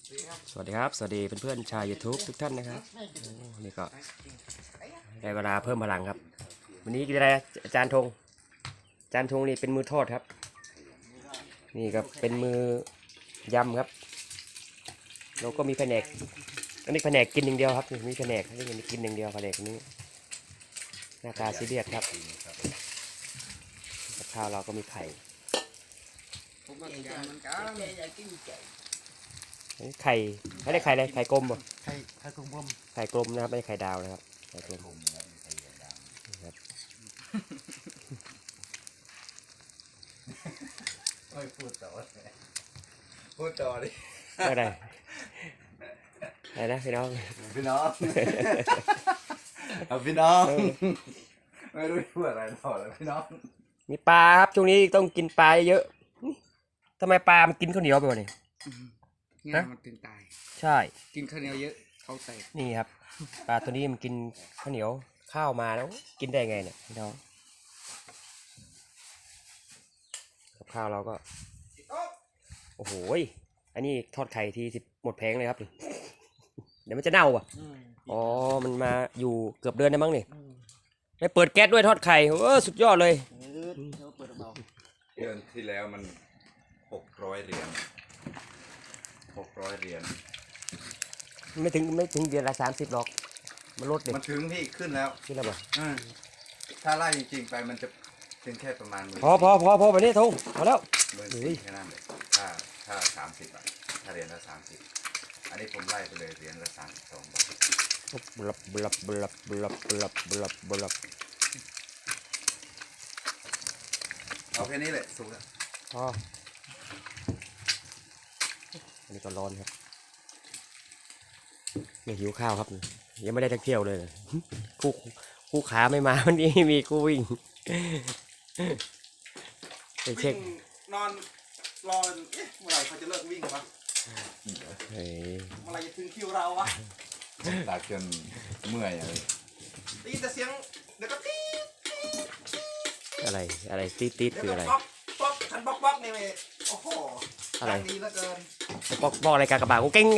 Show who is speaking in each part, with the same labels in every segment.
Speaker 1: สวัสดีครับสวัสดีเพื่อนๆชาว YouTube ทุกท่านนะครับนี่ก็ได้เวลาเพิ่มพลังครับวันนี้กินอะไรอาจารย์ธงอาจารย์ธงนี่เป็นมือทอดครับนี่ก็เป็นมือยำครับเราก็มีแผนกอันนี้แผนกกินอย่างเดียวครับมีแผนกนี่กินอย่างเดียวแผนกนี้หน้าตาซีเรียสครับกับข้าวเราก็มีไข่ไข่ไม่ได้ไข่เลยไข่กลมป่ะ
Speaker 2: ไข่กลม
Speaker 1: ไข่กลมนะครับไม่ใช่ไข่ดาวนะครับไข่กลมครับ
Speaker 2: ไม่พูดต่อพูดต่อดิ
Speaker 1: อะไรนะพี่น้อง
Speaker 2: พี่น้องพี่น้องไม่รู้พูดอะไรต่อแล้วพี่น้อง
Speaker 1: มีปลาครับช่วงนี้ต้องกินปลาเยอะทำไมปลามันกินข้าวเหนียวไปวะนี่
Speaker 3: ง่ายมันถึงตาย
Speaker 1: ใช่
Speaker 3: กินข้าวเหนียวเยอะเขาแตก
Speaker 1: นี่ครับปลาตัวนี้มันกินข้าวเหนียวข้าวมาแล้วกินได้ไงเนี่ยพี่น้องกับข้าวเราก็โอ้โหอันนี้ทอดไข่ที10หมดแผงเลยครับเดี๋ยวมันจะเน่าอ่ะอ๋อมันมาอยู่เกือบเดือนได้มั้งนี่ไม่เปิดแก๊สด้วยทอดไข่สุดยอดเลย
Speaker 2: เดือนที่แล้วมัน600 เหรียญ600 เหรียญ
Speaker 1: ไม่ถึงเดือนละ30หรอกมันลดเด็ก
Speaker 2: มันถึงพี่ขึ้นแล้ว
Speaker 1: ขึ้นแล้วป่ะ
Speaker 2: ถ้าไล่จริงๆไปมันจะถึงแค่ประมาณ
Speaker 1: พอไปนี่ทงพอแล้ว
Speaker 2: 14,000แค่นั้นเลยถ้า30อ่ะถ้าเหรียญละ30อันนี้ผมไล่ไปเลยเหรียญละ32 บาท
Speaker 1: บลับ
Speaker 2: เอาแค่นี้แหละสุกแล้ว
Speaker 1: พออันนี้ก็ร้อนครับไม่หิวข้าวครับยังไม่ได้เที่ยวเลยคู่ขาไม่มาวันนี้มีคู่วิ่งไปเช็คน
Speaker 3: อนรอเมื่อไหร่เขาจะเลิกวิ่งวะเมื่อไหร่จะถึงคิวเราวะ
Speaker 2: ตากจนเมื่อยอะไร
Speaker 3: ได้ยินแต่เสียงเดี๋ยวก็ตี
Speaker 1: อะไรตีคืออะไร
Speaker 3: ป๊อกฉันป๊อกนี่เลยโอ้โห
Speaker 1: อะไร
Speaker 3: ดีเหลือเกิน
Speaker 1: บอกอะไรกากบาทกูเก่ง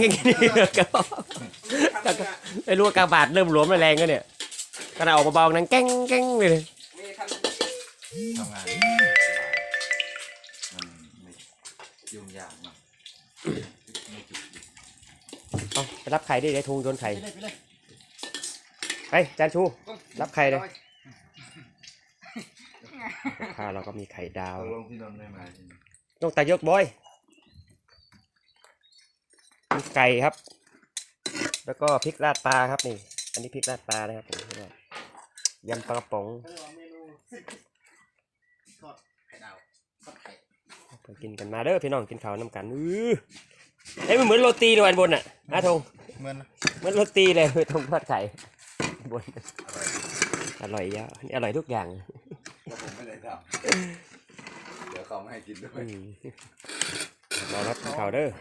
Speaker 1: ไอ้รู้ว่ากากบาทเริ่มหลวมแรงก็เนี่ยขณะออกมาเบาๆนั้นเก่งเลย
Speaker 2: ทำงานมันไม่ยุ่งยากมาก
Speaker 1: เอาไปรับไข่ดิได้ทุงโยนไข่ไปจานชูรับไข่เลยข้าวเราก็มีไข่ดาว
Speaker 2: ลงที่นนท์ได้ไหม
Speaker 1: ต้องตายกบอยมีไก่ครับแล้วก็พริกราดปลาครับนี่อันนี้พริกราดปลานะครับผมยำปลากระป๋องไปกินกันมาเด้อพี่น้องกินข้าวน้ำกันเฮ้ยมันเหมือนโรตีเลยอันบนอ่ะนะทง
Speaker 2: เหมือน
Speaker 1: โรตีเลยทงทอดไข่บนอร่อยเยอะนี่อร่อยทุกอย่าง
Speaker 2: ผมไม่ได้ทำเดี๋ยวเขาไม่ให้กินด้วย
Speaker 1: รอรับข้าวเด้อ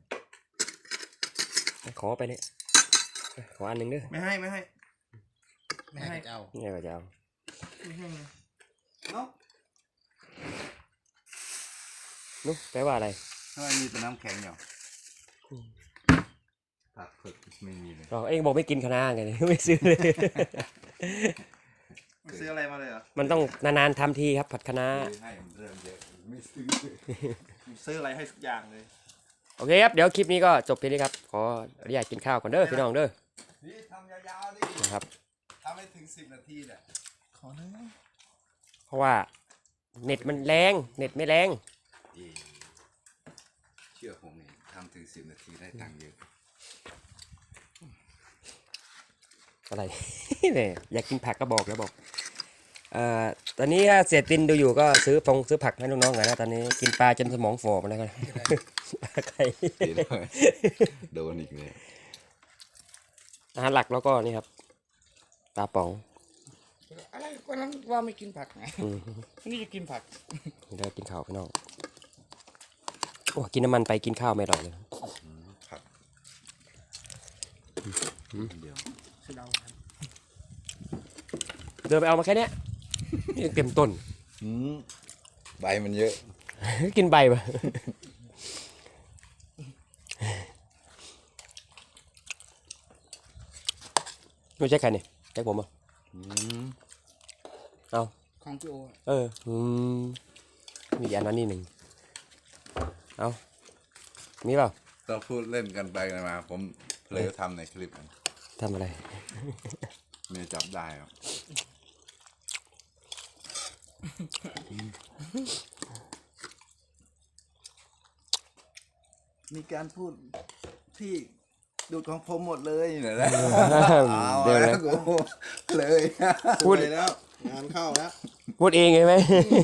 Speaker 1: ขอไปเนี่ยขออันหนึ่งเด้อ
Speaker 3: ไม่ให้ไม่ให้
Speaker 1: เจ้าเนี่ยก็จะเอานุ๊กแปลว่าอะไร
Speaker 2: ทำไมมีแต่น้ำแข็งอยู่ผักฝึกไม่มีเลย
Speaker 1: เองบอกไม่กินคะน้าไงไม่ซื้อเลย
Speaker 3: ซื้ออะไรมาเลยเหรอ
Speaker 1: มันต้องนานๆทำทีครับผัดคะน้า
Speaker 2: ให้มันเริ่มเยอะไม่
Speaker 3: ซื้ออะไรให้ทุกอย่างเลย
Speaker 1: โอเคครับเดี๋ยวคลิปนี้ก็จบเพียงนี้ครับขออนุญาตกินข้าวก่อนเด้อพี่น้องเด้อ
Speaker 2: นี่ทำยาวๆดิ
Speaker 1: นะครับ
Speaker 2: ทำให้ถึง10 นาทีเนี่ย
Speaker 3: ขอหน่อย
Speaker 1: เพราะว่าเน็ตมันแรงเน็ตไม่แรง
Speaker 2: เชื่อผมนี่ทำถึง10 นาทีได้ตังค์เยอะ
Speaker 1: อะไรเนี่ยอยากกินผักก็บอกแล้วบอกตอนนี้ถ้าเสียตินดูอยู่ก็ซื้อผักให้น้องๆหน่อยนะตอนนี้กินปลาจนสมองฝ่อมาแล้วกันไข่
Speaker 2: โดนอีกเลย
Speaker 1: อาหารหลักแล้วก็นี่ครับปลาป๋อง
Speaker 3: อะไรก็นั้นว่าไม่กินผักไงนี่จะกินผัก
Speaker 1: ได้กินข้าวพี่น้องโอ้กินน้ำมันไปกินข้าวไม่อร่อยเลย
Speaker 2: ครับเดี๋ยว
Speaker 1: เดินไปเอามาแค่นี้ยังเต็มต้น
Speaker 2: ใบมันเยอะ
Speaker 1: กินใบปะไม่ใช่ใครนี่แจ็คผมเหรอ
Speaker 2: อืม
Speaker 1: เอา
Speaker 4: ของพี่โอ
Speaker 1: มีอันนั้นนี่หนึ่งเอามีเปล่า
Speaker 2: เราพูดเล่นกันไปกันมา ผมเลยทำในคลิป
Speaker 1: ทำอะไร
Speaker 2: เมียจับได้ครับ มีการพูดที่ดูดของผมหมดเลยเนี่ยนะเอา
Speaker 1: เดี๋ยว
Speaker 2: แล้
Speaker 1: นะ
Speaker 2: วกูเลย
Speaker 1: พูด
Speaker 3: ไปแล้วงานเข้าแล้ว
Speaker 1: พูดเองใช่ไหม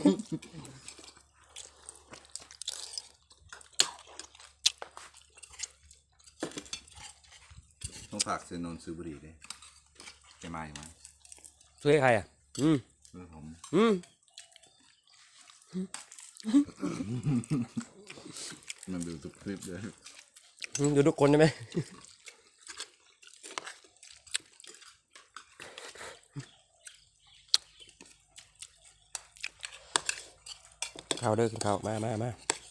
Speaker 2: ต้องฝากซื้อนนท์ซื้อบุหรี่ด้วยแกมาอยู่มั้ย
Speaker 1: ช่วยใครอ่ะ
Speaker 2: ซื้อผม มันดูทุกคลิปเลย
Speaker 1: ดูทุกคนใช่ไหม ข้าวเด้อกินข้าวมา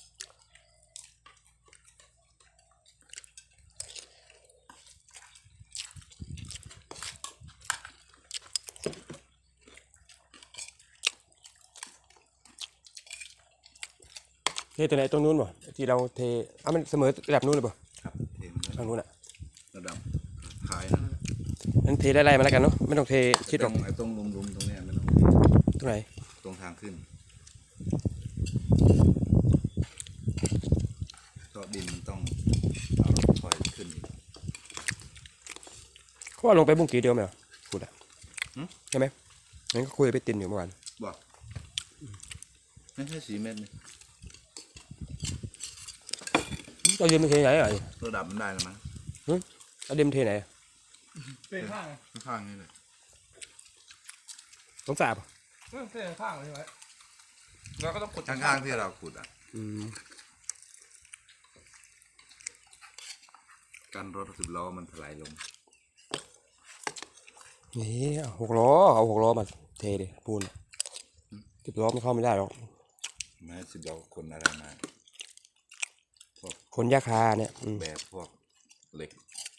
Speaker 1: เทตัวไหนตรงนู้นบ่ที่เราเทมันเสมอระดับนู้นเลยบ่
Speaker 2: ครับเท
Speaker 1: ทางนู้นอ่ะ
Speaker 2: ระดับท้ายนะ
Speaker 1: นั้นเทไล่ๆมาแล้วกันเนาะไม่ต้องเทชิดหรอก
Speaker 2: ไอ้ตรงลุมๆตรงเนี้ยไม่ต้อง
Speaker 1: ตรงไหน
Speaker 2: ตรงทางขึ้นก็ดินมันต้องเอารถคอยขึ้นอีก
Speaker 1: เขาว่าลงไปบุ้งกี่เดียวไหมเหรอพูดอ่ะ
Speaker 2: หืม
Speaker 1: ใช่ไหมงั้นก็คุยไปตินอยู่เมื่อวาน
Speaker 2: บอกไม่ใช่4 เมตรนี่
Speaker 1: เราเดินไปเทไหนอ่ะ
Speaker 2: ระดับมันได้แล้วมั้ง
Speaker 1: เราเดินเทไหนอะ
Speaker 3: เป็นข้าง
Speaker 2: ข้างๆนี่เลย
Speaker 1: ต้องสาบอ่ะ
Speaker 3: เป็นข้างเลยใช่ไหมเราก็ต้องกด
Speaker 2: ข้างๆที่เราขุดอ่ะ การรถ10 ล้อมันถลายลง
Speaker 1: นี่เอาหกล้อมาเทดิปูน10 ล้อมันเข้าไม่ได้หรอก
Speaker 2: ไม้10 ล้อคนอะไรมา
Speaker 1: คนยาคาเนี่ย
Speaker 2: แบบพวกเหล็ก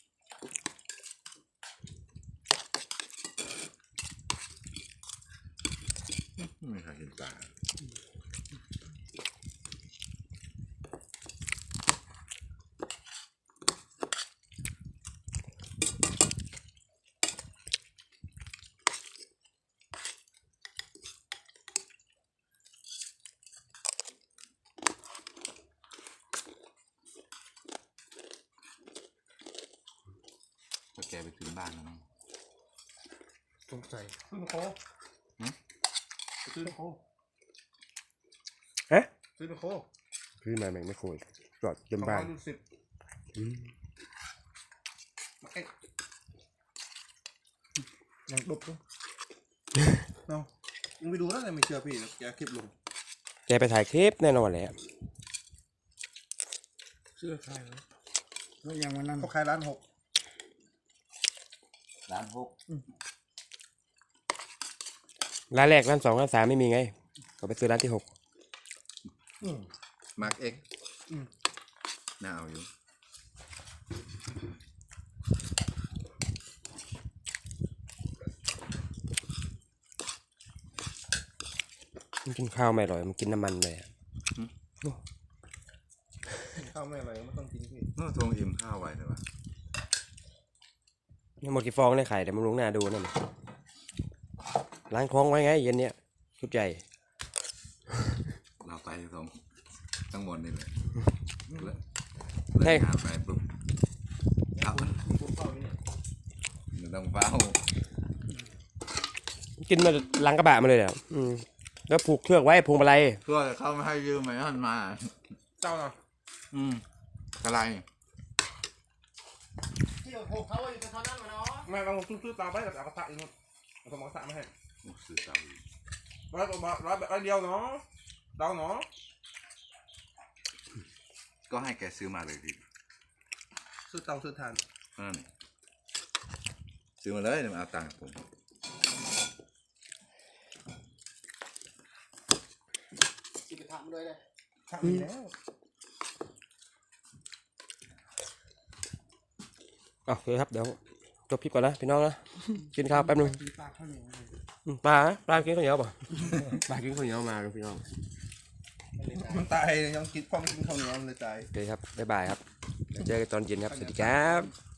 Speaker 2: ไม่เคยเห็นตาพอแกไปถึงบ้านแล้วมั้ง
Speaker 3: สงสัยซื้อโค้ซื้อโค้
Speaker 1: ฮะ
Speaker 3: ซื้อโค้
Speaker 1: ขึ้นมาแม่งไม่โคยจอดจนบ้าน
Speaker 3: 210ยังดบด้วยเนาะยังไปดูแล้วแต่ไม่เชื่อพี่แกคลิปลง
Speaker 1: แกไปถ่ายคลิปแน่นอนแหละ
Speaker 3: เชื่อใครวะ
Speaker 4: แล้วอย่างวันนั้น
Speaker 3: เขาขายร้าน6
Speaker 2: ร้าน6
Speaker 1: ร้านแรกร้าน2ร้าน3ไม่มีไงก็ไปซื้อร้านที่6
Speaker 2: มาร์กเอ็กน่าเอาอยู่
Speaker 1: มันกินข้าวไม่อร่อยมันกินน้ำมันเลยอะ
Speaker 3: ข้าวไม่อะไรไม่ต้องกินพี่
Speaker 2: น่าทงอิ่มข้าวไว้เลยวะ
Speaker 1: นี่หมดกี่ฟองได้ไข่เดี๋ยวมันลงหน้าดูนั่นล้างท้องไว้ไงเย็นเนี้ยชุดใหญ่
Speaker 2: เราไปทั้งหมดนี่เลยแล้ว
Speaker 1: ให้
Speaker 2: งานไปปุ๊บเอา
Speaker 3: พวกข้าวนี่
Speaker 2: ไม่ต้องเฝ้า
Speaker 1: กินมาหลังกระบะมาเลยเนี่ยแล้วผูกเชือกไว้พวงมาลัย
Speaker 2: เพื่อเขาไม่ให้ยืมไหมท่านมา
Speaker 3: เจ้าเนาะ
Speaker 2: อะไร
Speaker 4: ที่โอเขาอยู่ตอนนั้นมาเนาะ
Speaker 3: ไม่เราซื้อตามไปแต่เอากระทะอีกนู่นเอาสมองกระทะมาให้
Speaker 2: โอ้สื่อสาร
Speaker 3: ร้อยแบบเดียวเนาะเดาเนาะ
Speaker 2: ก็ให้แกซื้อมาเลยดิ
Speaker 3: ซื้อเตาซื้อถ่าน
Speaker 2: นั่นซื้อมาเลยเดี๋ยวมาเอาตังค์ผม
Speaker 4: สิไปทำด้วยเลย
Speaker 3: ทำดีแล้ว
Speaker 1: โอเคครับเดี๋ยวจบคลิปก่อนนะพี่น้องนะกินข้าวแป๊บนึง
Speaker 4: ปลาข้าวเหนียว
Speaker 1: ปลากินข้าวเหนียวป่ะปลากินข้าวเหนียวมาพี่น้อง
Speaker 3: มันตายยังกินพ่อมันกินข้าวเหนียวมันเลยตาย
Speaker 1: โอเคครับบ๊ายบายครับเจอกันตอนเย็นครับสวัสดีครับ